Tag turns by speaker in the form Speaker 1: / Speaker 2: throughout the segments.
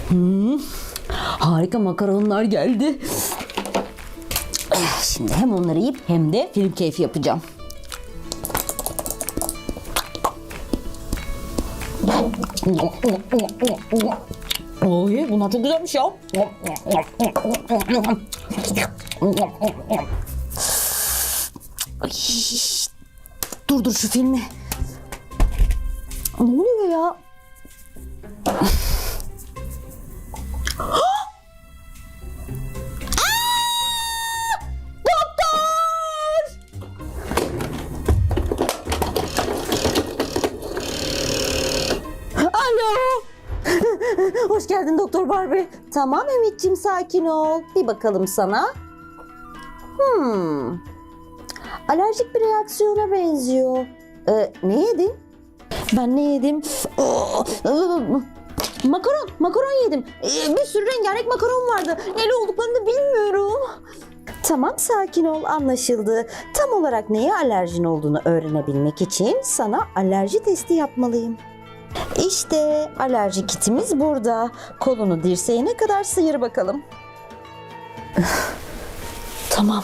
Speaker 1: Harika makaronlar geldi. Şimdi hem onları yiyip hem de film keyfi yapacağım. Oy, bunlar çok güzelmiş ya. Ay, dur şu filmi. Ne oluyor ya? Hoş geldin Doktor Barbie. Tamam Ümit'ciğim, sakin ol. Bir bakalım sana. Alerjik bir reaksiyona benziyor. Ne yedin? Ben ne yedim? Makaron yedim. Bir sürü rengarenk makaron vardı. Neli olduklarını da bilmiyorum. Tamam, sakin ol, anlaşıldı. Tam olarak neye alerjin olduğunu öğrenebilmek için sana alerji testi yapmalıyım. İşte alerji kitimiz burada. Kolunu dirseğine kadar sıyır bakalım. Tamam.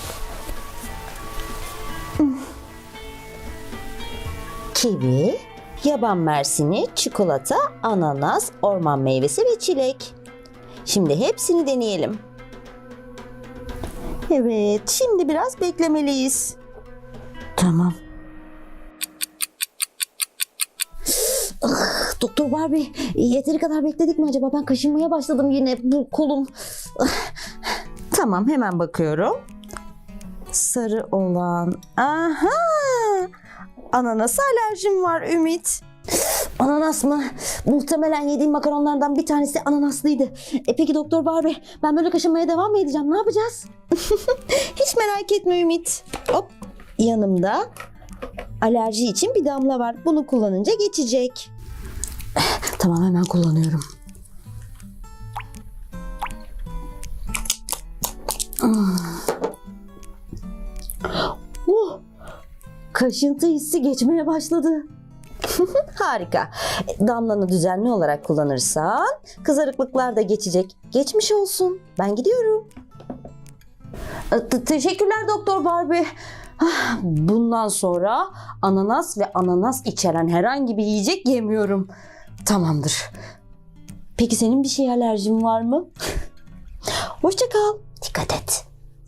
Speaker 1: Kivi, yaban mersini, çikolata, ananas, orman meyvesi ve çilek. Şimdi hepsini deneyelim. Evet, şimdi biraz beklemeliyiz. Tamam. Doktor Barbie, yeteri kadar bekledik mi acaba? Ben kaşınmaya başladım yine, bu kolum. Tamam, hemen bakıyorum. Sarı olan. Aha! Ananasa alerjim var Ümit. Ananas mı? Muhtemelen yediğim makaronlardan bir tanesi ananaslıydı. Peki Doktor Barbie, ben böyle kaşınmaya devam mı edeceğim? Ne yapacağız? Hiç merak etme Ümit. Hop, yanımda alerji için bir damla var. Bunu kullanınca geçecek. Tamam, hemen kullanıyorum. Kaşıntı hissi geçmeye başladı. Harika. Damlanı düzenli olarak kullanırsan kızarıklıklar da geçecek. Geçmiş olsun. Ben gidiyorum. Teşekkürler Doktor Barbie. Bundan sonra ananas ve ananas içeren herhangi bir yiyecek yemiyorum. Tamamdır. Peki senin bir şeye alerjin var mı? Hoşça kal. Dikkat et.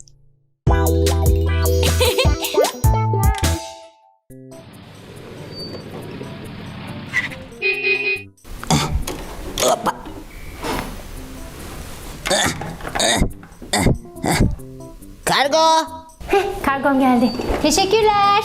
Speaker 1: Kargo.
Speaker 2: Kargom geldi. Teşekkürler.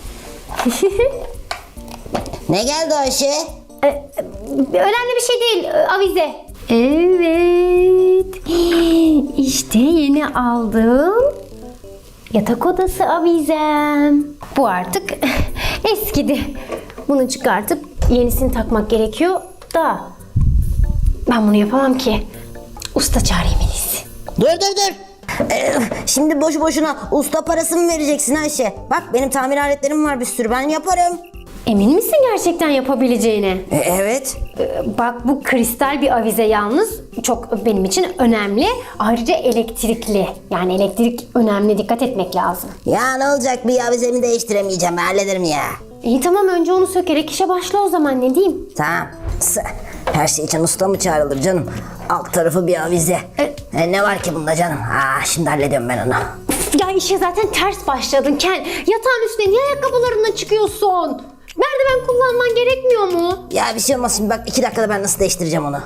Speaker 1: Ne geldi Ayşe?
Speaker 2: Önemli bir şey değil. Avize. Evet. İşte yeni aldım. Yatak odası avizem. Bu artık eskidi. Bunu çıkartıp yenisini takmak gerekiyor da ben bunu yapamam ki. Usta çağırayım en iyisi.
Speaker 3: Dur. Şimdi boşu boşuna usta parası mı vereceksin Ayşe? Bak benim tamir aletlerim var bir sürü, ben yaparım.
Speaker 2: Emin misin gerçekten yapabileceğine?
Speaker 3: Evet.
Speaker 2: Bak, bu kristal bir avize yalnız çok benim için önemli. Ayrıca elektrikli. Yani elektrik önemli, dikkat etmek lazım.
Speaker 3: Ya ne olacak, bir avizemi değiştiremeyeceğim, ben hallederim ya.
Speaker 2: İyi tamam, önce onu sökerek işe başla o zaman, ne diyeyim?
Speaker 3: Tamam. Her şey için usta mı çağrılır canım? Alt tarafı bir avize. Ne var ki bunda canım? Şimdi hallediyorum ben onu.
Speaker 2: Ya işe zaten ters başladın Ken. Yatağın üstüne niye ayakkabılarından çıkıyorsun? Merdiven kullanman gerekmiyor mu?
Speaker 3: Ya bir şey olmaz şimdi, bak 2 dakikada ben nasıl değiştireceğim onu.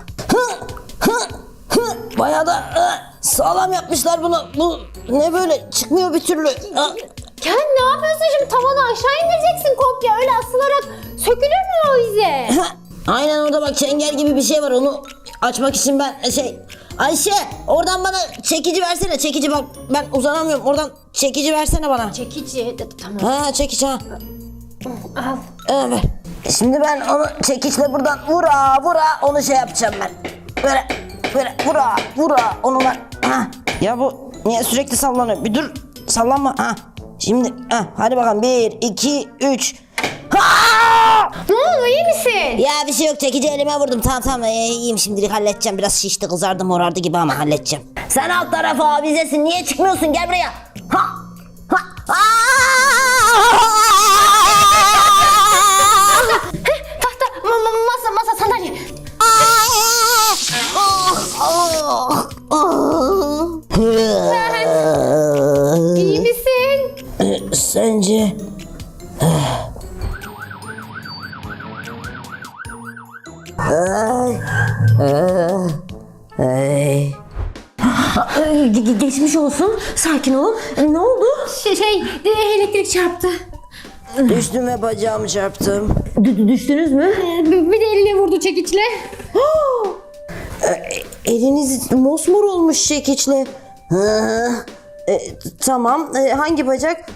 Speaker 3: Bayağı da sağlam yapmışlar bunu. Bu ne böyle, çıkmıyor bir türlü.
Speaker 2: Ken, ne yapıyorsun şimdi? Tavanı aşağı indireceksin komple, öyle asılarak sökülür mü o avize?
Speaker 3: Aynen, orada bak çengel gibi bir şey var, onu açmak için ben Ayşe, oradan bana çekici versene, çekici, bak ben uzanamıyorum, oradan çekici versene bana.
Speaker 2: Çekici, tamam.
Speaker 3: Çekici ha.
Speaker 2: Al.
Speaker 3: Evet. Şimdi ben onu çekiçle buradan vura onu şey yapacağım ben. Böyle vura onu ben. Ya bu niye sürekli sallanıyor? Bir dur, sallanma. Şimdi hadi bakalım, 1 2 3.
Speaker 2: Ne oldu, iyi misin?
Speaker 3: Ya bir şey yok, çekici elime vurdum. Tamam iyiyim, şimdilik halledeceğim. Biraz şişti, kızardı, morardı gibi ama halledeceğim. Sen alt tarafı avizesin, niye çıkmıyorsun? Gel buraya. Ha.
Speaker 2: Tahta, masa, sandalye. İyi misin?
Speaker 3: Sence?
Speaker 1: Geçmiş olsun. Sakin ol. Ne oldu?
Speaker 2: Elektrik çarptı.
Speaker 3: Düştüm ve bacağımı çarptım.
Speaker 1: Düştünüz mü?
Speaker 2: Bir de eline vurdu çekiçle.
Speaker 3: Eliniz mosmor olmuş çekiçle. Tamam. Hangi bacak?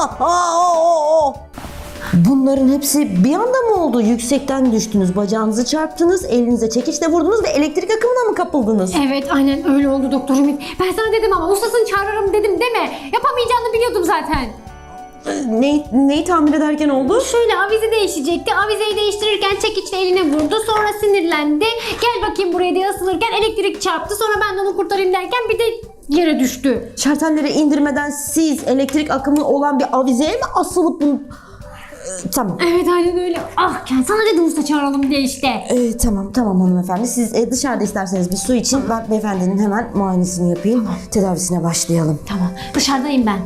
Speaker 1: Bunların hepsi bir anda mı oldu? Yüksekten düştünüz, bacağınızı çarptınız, elinize çekiçle vurdunuz ve elektrik akımına mı kapıldınız?
Speaker 2: Evet, aynen öyle oldu Doktor Ümit. Ben sana dedim ama ustasını çağırırım dedim deme. Yapamayacağını biliyordum zaten.
Speaker 1: Neyi tamir ederken oldu?
Speaker 2: Şöyle avize değişecekti. Avizeyi değiştirirken çekiçle eline vurdu. Sonra sinirlendi. Gel bakayım buraya diye asılırken elektrik çarptı. Sonra ben de onu kurtarayım derken bir de yere düştü.
Speaker 1: Şartelleri indirmeden siz elektrik akımı olan bir avizeye mi asılıp bunu... Tamam.
Speaker 2: Evet, aynen öyle. Ah, sana dedim usta çağıralım diye işte.
Speaker 1: Tamam hanımefendi. Siz dışarıda isterseniz bir su için ben beyefendinin hemen muayenesini yapayım. Tedavisine başlayalım.
Speaker 2: Tamam, dışarıdayım ben.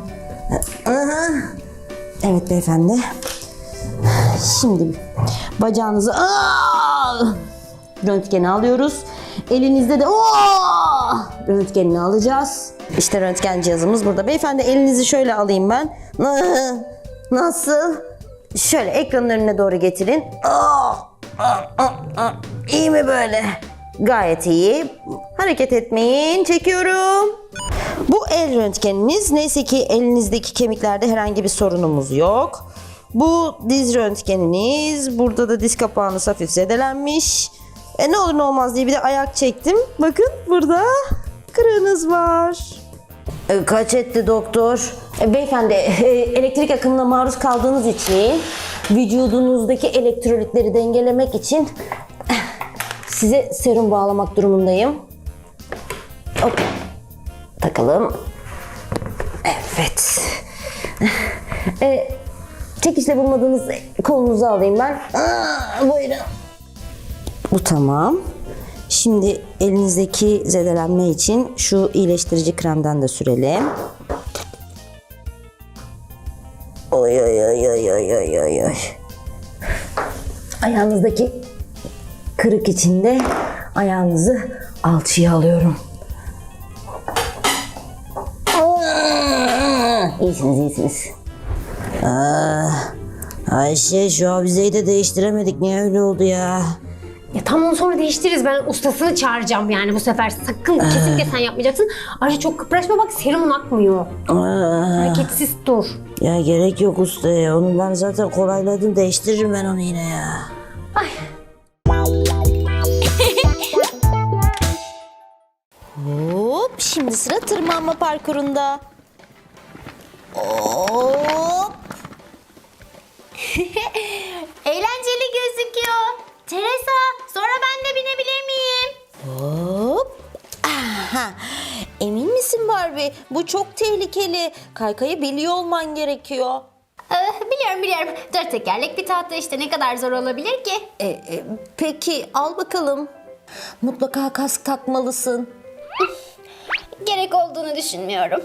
Speaker 1: Evet beyefendi. Şimdi bacağınızı röntgeni alıyoruz. Elinizde de röntgenini alacağız. İşte röntgen cihazımız burada. Beyefendi elinizi şöyle alayım ben. Nasıl? Şöyle ekranın önüne doğru getirin. İyi mi böyle? Gayet iyi. Hareket etmeyin. Çekiyorum. Bu el röntgeniniz. Neyse ki elinizdeki kemiklerde herhangi bir sorunumuz yok. Bu diz röntgeniniz. Burada da diz kapağınız hafif zedelenmiş. Ne olur ne olmaz diye bir de ayak çektim. Bakın burada kırığınız var.
Speaker 3: Kaç etti doktor?
Speaker 1: Beyefendi elektrik akımına maruz kaldığınız için vücudunuzdaki elektrolitleri dengelemek için size serum bağlamak durumundayım. Hop. Takalım. Evet. Çekişle bulmadığınız kolunuzu alayım ben.
Speaker 3: Buyurun.
Speaker 1: Bu tamam. Şimdi elinizdeki zedelenme için şu iyileştirici kremden de sürelim.
Speaker 3: Oy.
Speaker 1: Ayağınızdaki kırık için de ayağınızı alçıya alıyorum. İyisiniz.
Speaker 3: Ayşe, şu avizeyi de değiştiremedik. Niye öyle oldu ya?
Speaker 2: Ya tamam, sonra değiştiririz. Ben ustasını çağıracağım yani bu sefer. Sakın kesinlikle sen yapmayacaksın. Ayrıca çok kıpraşma, bak serumun akmıyor. Hareketsiz dur.
Speaker 3: Ya gerek yok usta ya. Onu ben zaten kolayladım. Değiştiririm ben onu yine ya.
Speaker 2: Ay.
Speaker 1: Hop, şimdi sıra tırmanma parkurunda. Hop.
Speaker 2: Eğlenceli gözüküyor. Teresa, sonra ben de binebilir miyim?
Speaker 1: Hop. Aha. Emin misin Barbie? Bu çok tehlikeli. Kaykayı biliyor olman gerekiyor.
Speaker 2: Biliyorum. 4 tekerlek bir tahta işte, ne kadar zor olabilir ki?
Speaker 1: Peki al bakalım. Mutlaka kask takmalısın.
Speaker 2: Gerek olduğunu düşünmüyorum.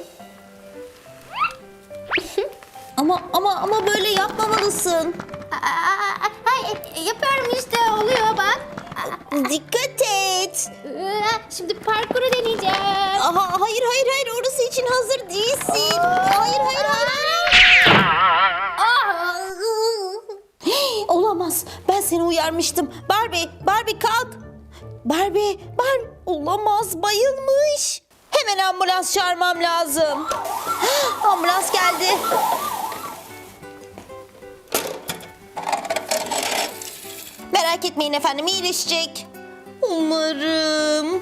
Speaker 1: Ama böyle yapmamalısın.
Speaker 2: Yapıyorum işte, oluyor bak.
Speaker 1: Dikkat et.
Speaker 2: Şimdi parkuru deneyeceğim.
Speaker 1: Hayır orası için hazır değilsin. Hayır. Olamaz. Ben seni uyarmıştım. Barbie kalk. Barbie. Olamaz, bayılmış. Hemen ambulans çağırmam lazım. Ambulans geldi. Merak etmeyin efendim, iyileşecek. Umarım.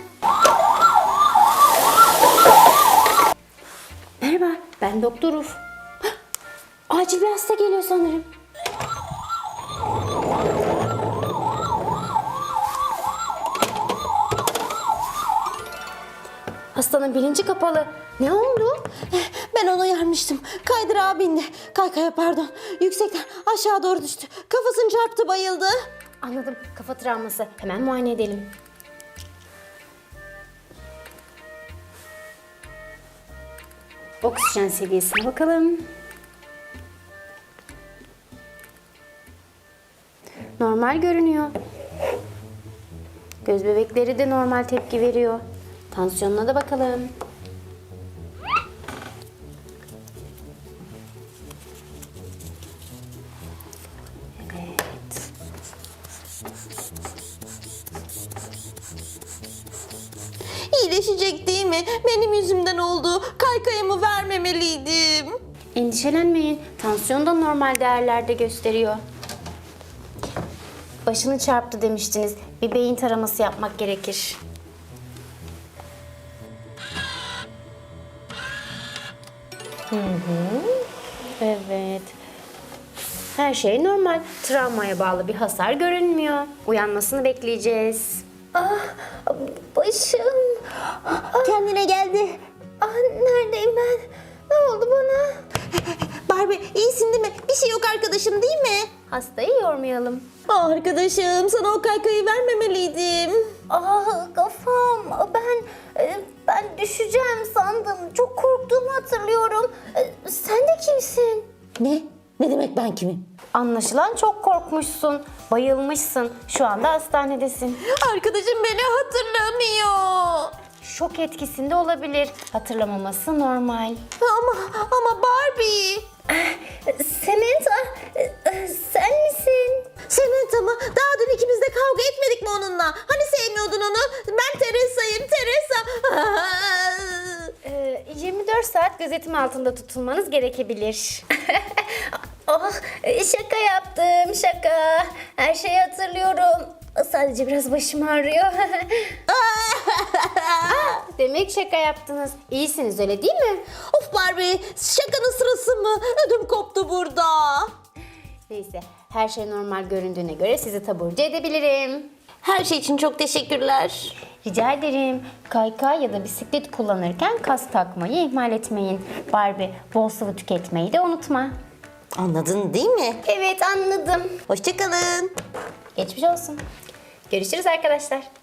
Speaker 2: Merhaba, ben Doktor Uf. Acil bir hasta geliyor sanırım. Hastanın bilinci kapalı. Ne oldu?
Speaker 1: Ben onu uyarmıştım. Kaydırağa bindi. Kaykaya pardon. Yüksekten aşağı doğru düştü. Kafasını çarptı, bayıldı.
Speaker 2: Anladım. Kafa travması. Hemen muayene edelim. Oksijen seviyesine bakalım. Normal görünüyor. Göz bebekleri de normal tepki veriyor. Tansiyonuna da bakalım. Evet.
Speaker 1: İyileşecek değil mi? Benim yüzümden oldu. Kaykayımı vermemeliydim.
Speaker 2: Endişelenmeyin. Tansiyon da normal değerlerde gösteriyor. Başını çarptı demiştiniz. Bir beyin taraması yapmak gerekir. Evet. Her şey normal. Travmaya bağlı bir hasar görünmüyor. Uyanmasını bekleyeceğiz.
Speaker 1: Başım. Kendine geldi. Neredeyim ben? Ne oldu bana? Barbie iyisin değil mi? Bir şey yok arkadaşım değil mi?
Speaker 2: Hastayı yormayalım.
Speaker 1: Arkadaşım sana o kaykayı vermemeliydim.
Speaker 4: Kafam. Ben düşeceğim sandım. Çok korktuğumu hatırlıyorum. Sen de kimsin?
Speaker 1: Ne? Ne demek ben kimim?
Speaker 2: Anlaşılan çok korkmuşsun. Bayılmışsın. Şu anda hastanedesin.
Speaker 1: Arkadaşım beni hatırlamıyor.
Speaker 2: Şok etkisinde olabilir. Hatırlamaması normal.
Speaker 1: Ama Barbie.
Speaker 4: Samantha, sen misin?
Speaker 1: Samantha mı? Daha dün ikimiz de kavga etmedik mi onunla? Hani sevmiyordun onu? Ben Teresa'yım, Teresa.
Speaker 2: 24 saat gözetim altında tutulmanız gerekebilir.
Speaker 4: Şaka yaptım, şaka. Her şeyi hatırlıyorum. Sadece biraz başım ağrıyor.
Speaker 2: Demek şaka yaptınız. İyisiniz öyle değil mi?
Speaker 1: Of Barbie, şakanın sırası mı? Ödüm koptu burada.
Speaker 2: Neyse, her şey normal göründüğüne göre sizi taburcu edebilirim.
Speaker 1: Her şey için çok teşekkürler.
Speaker 2: Rica ederim. Kaykay ya da bisiklet kullanırken kask takmayı ihmal etmeyin. Barbie, bol sıvı tüketmeyi de unutma.
Speaker 1: Anladın değil mi?
Speaker 4: Evet, anladım.
Speaker 1: Hoşçakalın.
Speaker 2: Geçmiş olsun. Görüşürüz arkadaşlar.